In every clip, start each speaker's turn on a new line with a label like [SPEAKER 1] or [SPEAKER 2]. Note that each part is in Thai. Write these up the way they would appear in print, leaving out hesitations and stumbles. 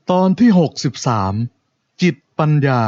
[SPEAKER 1] ตอนที่63จิตปัญญา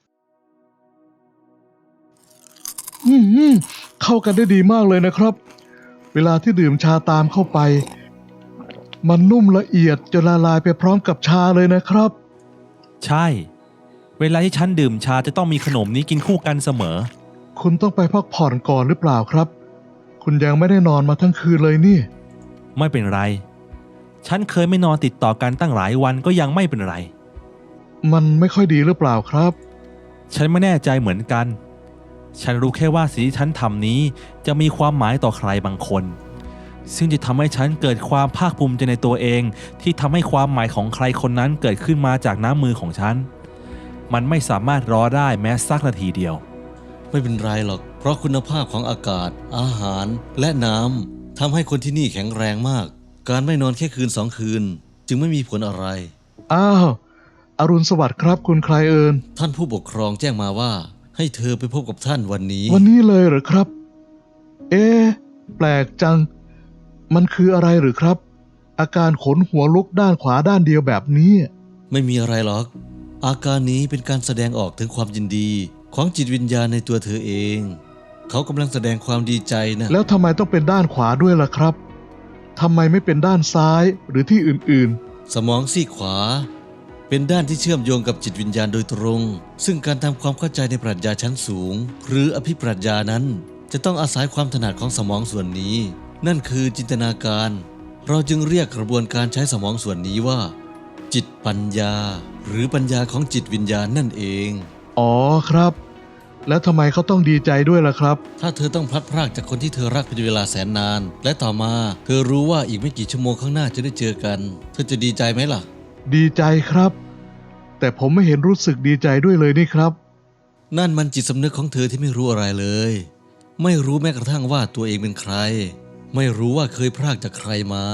[SPEAKER 1] เข้ากันได้ดีมากเลยนะครับเวลาที่ดื่มชาตามเข้าไปมันนุ่มละเอียดจนละลายไปพร้อมกับชาเลยนะครับ
[SPEAKER 2] ใช่เวลาที่ฉันดื่มชาจะต้องมีขนมนี้กินคู่กันเสมอ
[SPEAKER 1] คุณต้องไปพักผ่อนก่อนหรือเปล่าครับคุณยังไม่ได้นอนมาทั้งคืนเลยนี่
[SPEAKER 2] ไม่เป็นไรฉันเคยไม่นอนติดต่อกันตั้งหลายวันก็ยังไม่เป็นไร
[SPEAKER 1] มันไม่ค่อยดีหรือเปล่าครับ
[SPEAKER 2] ฉันไม่แน่ใจเหมือนกันฉันรู้แค่ว่าสิ่งที่ฉันทำนี้จะมีความหมายต่อใครบางคนซึ่งจะทำให้ฉันเกิดความภาคภูมิใจในตัวเองที่ทำให้ความหมายของใครคนนั้นเกิดขึ้นมาจากน้ำมือของฉันมันไม่สามารถรอได้แม้สักนาทีเดียว
[SPEAKER 3] ไม่เป็นไรหรอกเพราะคุณภาพของอากาศอาหารและน้ำทำให้คนที่นี่แข็งแรงมากการไม่นอนแค่คืน2 คืนจึงไม่มีผลอะไร
[SPEAKER 1] อ้าวอรุณสวัสดิ์ครับคุณใครเอิญ
[SPEAKER 3] ท่านผู้ปกครองแจ้งมาว่าให้เธอไปพบกับท่านวันนี้
[SPEAKER 1] เลยเหรอครับแปลกจังมันคืออะไรหรือครับอาการขนหัวลุกด้านขวาด้านเดียวแบบนี้
[SPEAKER 3] ไม่มีอะไรหรอกอาการนี้เป็นการแสดงออกถึงความยินดีของจิตวิญญาณในตัวเธอเองเขากำลังแสดงความดีใจนะ
[SPEAKER 1] แล้วทำไมต้องเป็นด้านขวาด้วยล่ะครับทำไมไม่เป็นด้านซ้ายหรือที่อื่น
[SPEAKER 3] ๆสมองซีกขวาเป็นด้านที่เชื่อมโยงกับจิตวิญญาณโดยตรงซึ่งการทำความเข้าใจในปรัชญาชั้นสูงหรืออภิปรัชญานั้นจะต้องอาศัยความถนัดของสมองส่วนนี้นั่นคือจินตนาการเราจึงเรียกกระบวนการใช้สมองส่วนนี้ว่าจิตปัญญาหรือปัญญาของจิตวิญญาณนั่นเอง
[SPEAKER 1] อ๋อครับแล้วทำไมเขาต้องดีใจด้วยล่ะครับ
[SPEAKER 3] ถ้าเธอต้องพลัดพรากจากคนที่เธอรักเป็นเวลาแสนนานและต่อมาเธอรู้ว่าอีกไม่กี่ชั่วโมงข้างหน้าจะได้เจอกันเธอจะดีใจไหมล่ะ
[SPEAKER 1] ดีใจครับแต่ผมไม่เห็นรู้สึกดีใจด้วยเลยนี่ครับ
[SPEAKER 3] นั่นมันจิตสำนึกของเธอที่ไม่รู้อะไรเลยไม่รู้แม้กระทั่งว่าตัวเองเป็นใครไม่รู้ว่าเคยพรากจากใครมา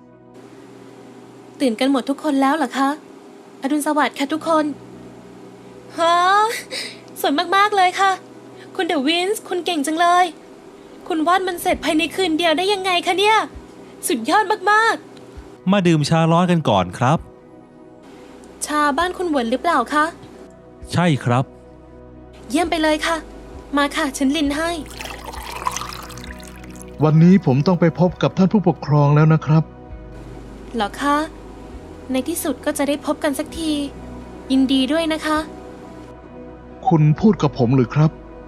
[SPEAKER 4] ตื่นกันหมดทุกคนแล้วเหรอคะอรุณสวัสดิ์ค่ะทุกคนฮะสวยมากๆเลยค่ะคุณเดอะวินส์คุณเก่งจังเลยคุณวาดมันเสร็จภายในคืนเดียวได้ยังไงคะเนี่ยสุดยอดมาก
[SPEAKER 2] ๆมาดื่มชาร้อนกันก่อนครับ
[SPEAKER 4] ชาบ้านคุณเหวินหรือเปล่าคะ
[SPEAKER 2] ใช่ครับ
[SPEAKER 4] เยี่ยมไปเลยค่ะมาค่ะฉันลินให้
[SPEAKER 1] วันนี้ผมต้องไปพบกับท่านผู้ปกครองแล้วนะครับ
[SPEAKER 4] เหรอคะในที่สุดก็จะได้พบกันสักทียินดีด้วยนะคะ
[SPEAKER 1] คุณพูดกับผมหรือครับ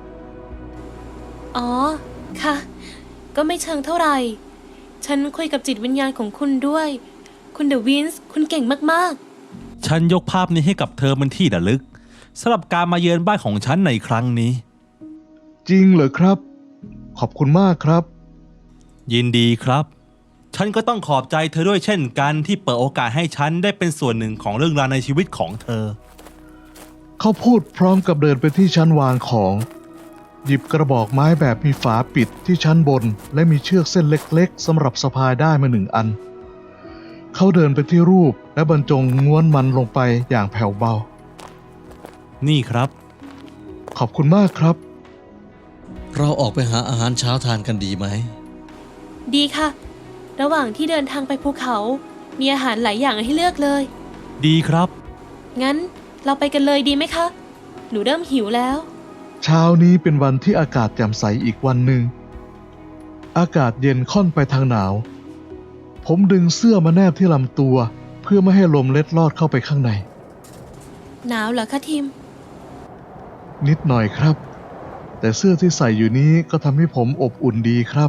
[SPEAKER 4] อ๋อค่ะก็ไม่เชิงเท่าไหร่ฉันคุยกับจิตวิญญาณของคุณด้วยคุณเดอะวินส์คุณเก่งมาก
[SPEAKER 2] ๆฉันยกภาพนี้ให้กับเธอเป็นที่ระลึกสำหรับการมาเยือนบ้านของฉันในครั้งนี้
[SPEAKER 1] จริงเหรอครับขอบคุณมากครับ
[SPEAKER 2] ยินดีครับฉันก็ต้องขอบใจเธอด้วยเช่นกันที่เปิดโอกาสให้ฉันได้เป็นส่วนหนึ่งของเรื่องราวในชีวิตของเธอ
[SPEAKER 1] เขาพูดพร้อมกับเดินไปที่ชั้นวางของหยิบกระบอกไม้แบบมีฝาปิดที่ชั้นบนและมีเชือกเส้นเล็กๆสำหรับสะพายได้มา1 อันเขาเดินไปที่รูปและบรรจงง้วนมันลงไปอย่างแผ่วเบา
[SPEAKER 2] นี่ครับ
[SPEAKER 1] ขอบคุณมากครับ
[SPEAKER 3] เราออกไปหาอาหารเช้าทานกันดีไหม
[SPEAKER 4] ดีค่ะระหว่างที่เดินทางไปภูเขามีอาหารหลายอย่างให้เลือกเลย
[SPEAKER 2] ดีครับ
[SPEAKER 4] งั้นเราไปกันเลยดีไหมคะหนูเริ่มหิวแล้ว
[SPEAKER 1] เช้านี้เป็นวันที่อากาศแจ่มใสอีกวันหนึ่งอากาศเย็นค่อนไปทางหนาวผมดึงเสื้อมาแนบที่ลำตัวเพื่อไม่ให้ลมเล็ดลอดเข้าไปข้างใน
[SPEAKER 4] หนาวเหรอคะทิม
[SPEAKER 1] นิดหน่อยครับแต่เสื้อที่ใส่อยู่นี้ก็ทำให้ผมอบอุ่นดีครับ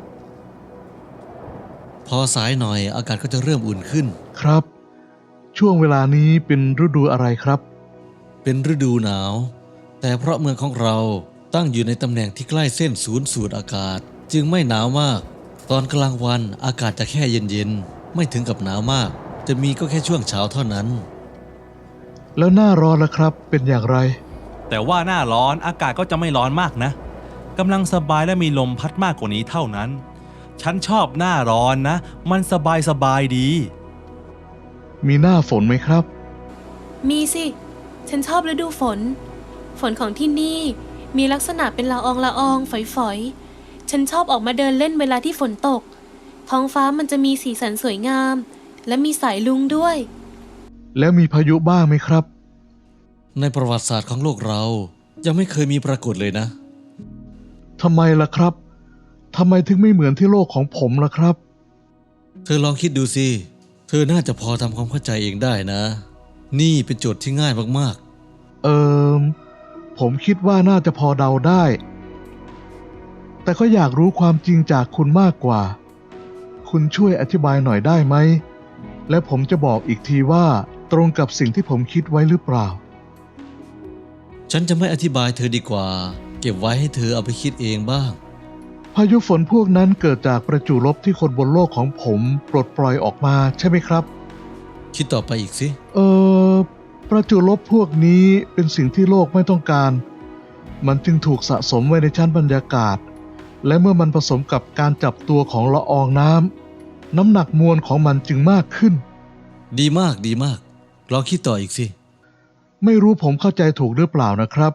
[SPEAKER 3] พอสายหน่อยอากาศก็จะเริ่มอุ่นขึ้น
[SPEAKER 1] ครับช่วงเวลานี้เป็นฤดูอะไรครับ
[SPEAKER 3] เป็นฤดูหนาวแต่เพราะเมืองของเราตั้งอยู่ในตำแหน่งที่ใกล้เส้นศูนย์สูตรอากาศจึงไม่หนาวมากตอนกลางวันอากาศจะแค่เย็นๆไม่ถึงกับหนาวมากจะมีก็แค่ช่วงเช้าเท่านั้น
[SPEAKER 1] แล้วหน้าร้อนล่ะครับเป็นอย่างไร
[SPEAKER 2] แต่ว่าหน้าร้อนอากาศก็จะไม่ร้อนมากนะกำลังสบายและมีลมพัดมากกว่านี้เท่านั้นฉันชอบหน้าร้อนนะมันสบายดี
[SPEAKER 1] มีหน้าฝนไหมครับ
[SPEAKER 4] มีสิฉันชอบฤดูฝนของที่นี่มีลักษณะเป็นละอองฝอยๆฉันชอบออกมาเดินเล่นเวลาที่ฝนตกท้องฟ้ามันจะมีสีสันสวยงามและมีสายรุ้งด้วย
[SPEAKER 1] แล้วมีพายุบ้างไหมครับ
[SPEAKER 3] ในประวัติศาสตร์ของโลกเรายังไม่เคยมีปรากฏเลยนะ
[SPEAKER 1] ทำไมล่ะครับ ทำไมถึงไม่เหมือนที่โลกของผมล่ะครับ
[SPEAKER 3] เธอลองคิดดูสิ เธอน่าจะพอทำความเข้าใจเองได้นะ นี่เป็นโจทย์ที่ง่ายมาก
[SPEAKER 1] เอิมผมคิดว่าน่าจะพอเดาได้ แต่ก็อยากรู้ความจริงจากคุณมากกว่า คุณช่วยอธิบายหน่อยได้ไหม และผมจะบอกอีกทีว่าตรงกับสิ่งที่ผมคิดไว้หรือเปล่า
[SPEAKER 3] ๆ ฉันจะไม่อธิบายเธอดีกว่า เก็บไว้ให้เธอเอาไปคิดเองบ้าง
[SPEAKER 1] พายุฝนพวกนั้นเกิดจากประจุลบที่คนบนโลกของผมปลดปล่อยออกมาใช่ไหมครับ
[SPEAKER 3] คิดต่อไปอีกสิ
[SPEAKER 1] ประจุลบพวกนี้เป็นสิ่งที่โลกไม่ต้องการ มันจึงถูกสะสมไว้ในชั้นบรรยากาศ และเมื่อมันผสมกับการจับตัวของละอองน้ำหนักมวลของมันจึงมากขึ้น
[SPEAKER 3] ดีมากดีมาก ลองคิดต่ออีกสิ
[SPEAKER 1] ไม่รู้ผมเข้าใจถูกหรือเปล่านะครับ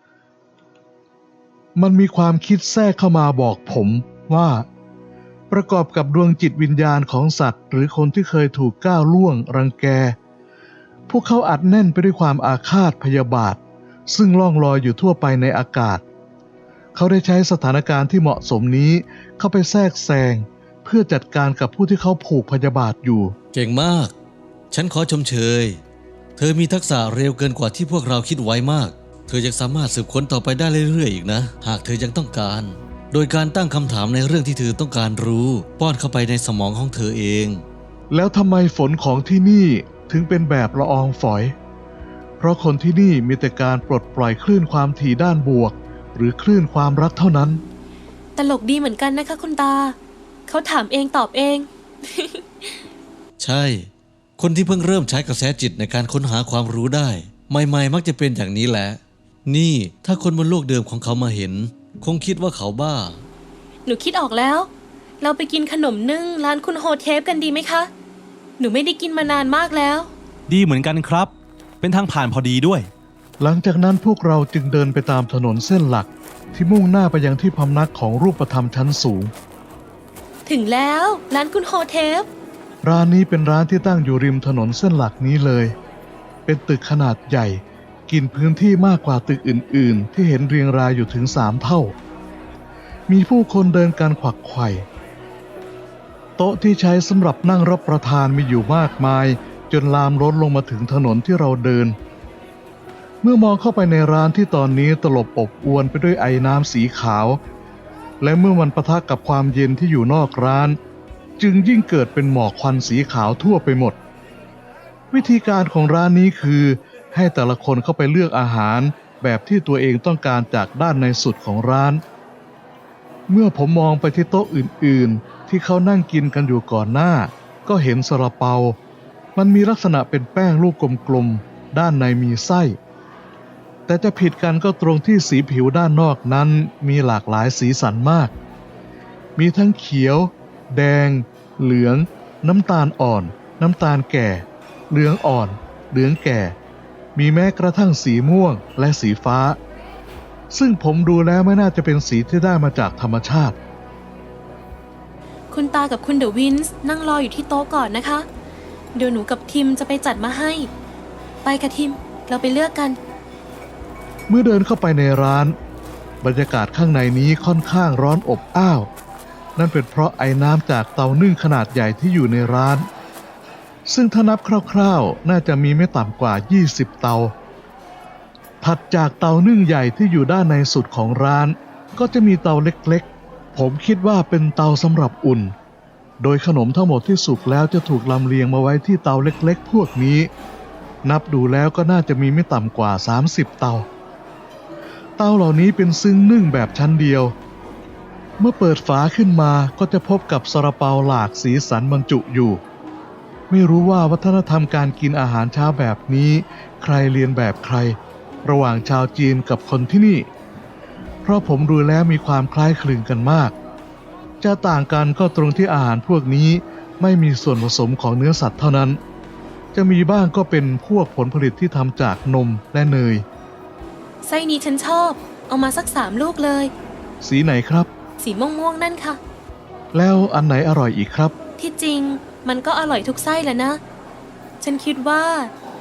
[SPEAKER 1] มันมีความคิดแทรกเข้ามาบอกผมว่า ประกอบกับดวงจิตวิญญาณของสัตว์ หรือคนที่เคยถูกก้าวล่วงรังแก พวกเขาอัดแน่นไปด้วยความอาฆาตพยาบาท ซึ่งล่องลอยอยู่ทั่วไปในอากาศ เขาได้ใช้สถานการณ์ที่เหมาะสมนี้เข้าไปแทรกแซงเพื่อจัดการกับผู้ที่เขาผูกพยาบาทอยู่
[SPEAKER 3] เก่งมาก ฉันขอชมเชย เธอมีทักษะเร็วเกินกว่าที่พวกเราคิดไว้มาก เธอยังสามารถสืบค้นต่อไปได้เรื่อยๆอีกนะ หากเธอยังต้องการ โดยการตั้งคำถามในเรื่องที่เธอต้องการรู้ ป้อนเข้าไปในสมองของเธอเอง
[SPEAKER 1] แล้วทำไมฝนของที่นี่ถึงเป็นแบบละอองฝอย เพราะคนที่นี่มีแต่การปลดปล่อยคลื่นความถี่ด้านบวก หรือคลื่นความรักเท่านั้น
[SPEAKER 4] ตลกดีเหมือนกันนะคะคุณตา เขาถามเองตอบเอง
[SPEAKER 3] ใช่ คนที่เพิ่งเริ่มใช้กระแสจิตในการค้นหาความรู้ได้ ใหม่ๆมักจะเป็นอย่างนี้แหละ นี่ถ้าคนบนโลกเดิมของเขามาเห็น คงคิดว่าเขาบ้า
[SPEAKER 4] หนูคิดออกแล้ว เราไปกินขนมนึ่งร้านคุณโฮเทปกันดีไหมคะ หนูไม่ได้กินมานานมากแล้ว
[SPEAKER 2] ดีเหมือนกันครับ เป็นทางผ่านพอดีด้วย
[SPEAKER 1] หลังจากนั้นพวกเราจึงเดินไปตามถนนเส้นหลัก ที่มุ่งหน้าไปยังที่พำนักของรูปธรรมชั้นสูง
[SPEAKER 4] ถึงแล้วร้านคุณโฮเทป
[SPEAKER 1] ร้านนี้เป็นร้านที่ตั้งอยู่ริมถนนเส้นหลักนี้เลย เป็นตึกขนาดใหญ่ กินพื้นที่มากกว่าตึกอื่นๆ ที่เห็นเรียงรายอยู่ถึง3 เท่า มีผู้คนเดินกันขวักไขว่โต๊ะที่ใช้สำหรับนั่งรับประทานมีอยู่มากมาย จนลามล้นลงมาถึงถนนที่เราเดิน เมื่อมองเข้าไปในร้านที่ตอนนี้ตลบอบอวนไปด้วยไอน้ำสีขาว และเมื่อมันปะทะกับความเย็นที่อยู่นอกร้าน จึงยิ่งเกิดเป็นหมอกควันสีขาวทั่วไปหมด วิธีการของร้านนี้คือให้แต่ละคนเข้าไปเลือกอาหารแบบที่ตัวเองต้องการจากด้านในสุดของร้าน เมื่อผมมองไปที่โต๊ะอื่นๆ ที่เขานั่งกินกันอยู่ก่อนหน้า ก็เห็นซาลาเปา มันมีลักษณะเป็นแป้งลูกกลมๆ ด้านในมีไส้ แต่จะผิดกันก็ตรงที่สีผิวด้านนอกนั้นมีหลากหลายสีสันมาก มีทั้งเขียว แดง เหลือง น้ำตาลอ่อน น้ำตาลแก่ เหลืองอ่อน เหลืองแก่ มีแม้กระทั่งสีม่วงและสีฟ้า ซึ่งผมดูแล้วไม่น่าจะเป็นสีที่ได้มาจากธรรมชาติ
[SPEAKER 4] คุณตากับคุณเดอะวินส์นั่งรออยู่ที่โต๊ะก่อนนะคะ เดี๋ยวหนูกับทิมจะไปจัดมาให้ ไปค่ะทิม เราไปเลือกกัน
[SPEAKER 1] เมื่อเดินเข้าไปในร้าน บรรยากาศข้างในนี้ค่อนข้างร้อนอบอ้าว นั่นเป็นเพราะไอ้น้ำจากเตานึ่งขนาดใหญ่ที่อยู่ในร้าน ซึ่งถ้านับคร่าวๆน่าจะมีไม่ต่ำกว่า 20 เตา ถัดจากเตานึ่งใหญ่ที่อยู่ด้านในสุดของร้าน ก็จะมีเตาเล็กๆ ผมคิดว่าเป็นเตาสำหรับอุ่น โดยขนมทั้งหมดที่สุกแล้วจะถูกลำเลียงมาไว้ที่เตาเล็กๆ พวกนี้ นับดูแล้วก็น่าจะมีไม่ต่ำกว่า 30 เตา เตาเหล่านี้เป็นซึ่งนึ่งแบบชั้นเดียว เมื่อเปิดฝาขึ้นมาก็จะพบกับซาลาเปาหลากสีสันบรรจุอยู่ ไม่รู้ว่าวัฒนธรรมการกินอาหารเช้าแบบนี้ใครเรียนแบบใคร ระหว่างชาวจีนกับคนที่นี่ เพราะผมดูแล้วมีความคล้ายคลึงกันมาก จะต่างกันก็ตรงที่อาหารพวกนี้ไม่มีส่วนผสมของเนื้อสัตว์เท่านั้น จะมีบ้างก็เป็นพวกผลผลิตที่ทำจากนมและเนย
[SPEAKER 4] ไส้นี้ฉันชอบ เอามาสัก3 ลูกเลย
[SPEAKER 1] สีไหนครับ
[SPEAKER 4] สีม่วงๆนั่นค่ะ
[SPEAKER 1] แล้วอันไหนอร่อยอีกครับ
[SPEAKER 4] ที่จริงมันก็อร่อยทุกไส้แหละนะ ฉันคิดว่า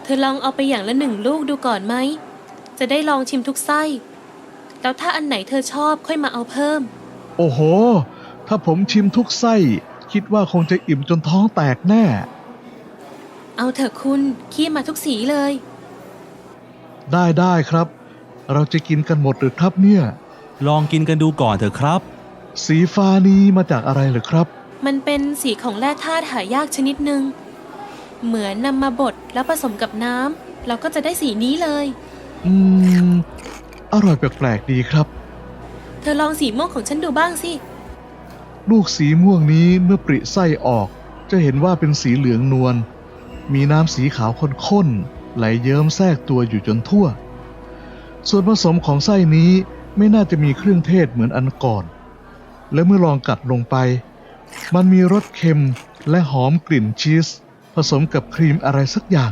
[SPEAKER 4] เธอลองเอาไปอย่างละ1 ลูกดูก่อนไหม จะได้ลองชิมทุกไส้ แล้วถ้าอันไหนเธอชอบค่อยมาเอาเพิ่ม
[SPEAKER 1] โอ้โห ถ้าผมชิมทุกไส้ คิดว่าคงจะอิ่มจนท้องแตกแน่
[SPEAKER 4] เอาเถอะคุณขี้มาทุกสีเลย
[SPEAKER 1] ได้ครับ เราจะกินกันหมดหรือครับเนี่ย
[SPEAKER 2] ลองกินกันดูก่อนเถอะครับ
[SPEAKER 1] สีฟ้านี้มาจากอะไรเหรอครับ
[SPEAKER 4] มันเป็นสีของแร่ธาตุหายากชนิดหนึ่ง เหมือนนำมาบดแล้วผสมกับน้ำเราก็จะได้สีนี้เลย
[SPEAKER 1] อืม อร่อยแปลกๆดีครับ
[SPEAKER 4] เธอลองสีม่วงของฉันดูบ้างสิ
[SPEAKER 1] ลูกสีม่วงนี้เมื่อปริไส้ออก จะเห็นว่าเป็นสีเหลืองนวล มีน้ำสีขาวข้นๆไหลเยิ้มแทรกตัวอยู่จนทั่ว ส่วนผสมของไส้นี้ไม่น่าจะมีเครื่องเทศเหมือนอันก่อน และเมื่อลองกัดลงไป มันมีรสเค็มและหอมกลิ่นชีสผสมกับครีมอะไรสักอย่าง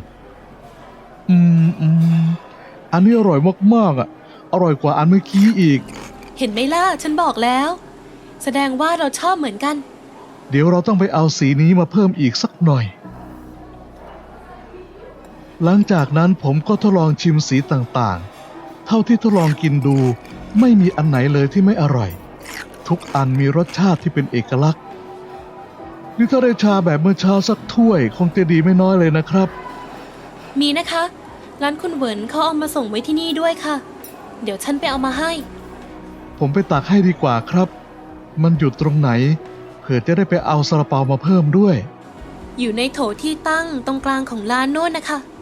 [SPEAKER 1] อันนี้อร่อยมากๆอ่ะ อร่อยกว่าอันเมื่อกี้อีก
[SPEAKER 4] เห็นไหมล่ะฉันบอกแล้ว แสดงว่าเราชอบเหมือนกัน
[SPEAKER 1] เดี๋ยวเราต้องไปเอาสีนี้มาเพิ่มอีกสักหน่อย หลังจากนั้นผมก็ทดลองชิมสีต่างๆ เท่าที่ทดลองกินดูไม่มีอันไหนเลยที่ไม่อร่อย ทุกอันมีรสชาติที่เป็นเอกลักษณ์นี่ถ้าได้ชาแบบเมื่อเช้าสักถ้วยคงจะดีไม่น้อยเลยนะครับ
[SPEAKER 4] มีนะคะ ร้านคุณเหวินเขาเอามาส่งไว้ที่นี่ด้วยค่ะ เดี๋ยวฉันไปเอามาให้
[SPEAKER 1] ผมไปตักให้ดีกว่าครับ มันอยู่ตรงไหนเผื่อจะได้ไปเอาซาลาเปามาเพิ่มด้วย
[SPEAKER 4] อยู่ในโถที่ตั้งตรงกลางของร้านโน่นนะคะ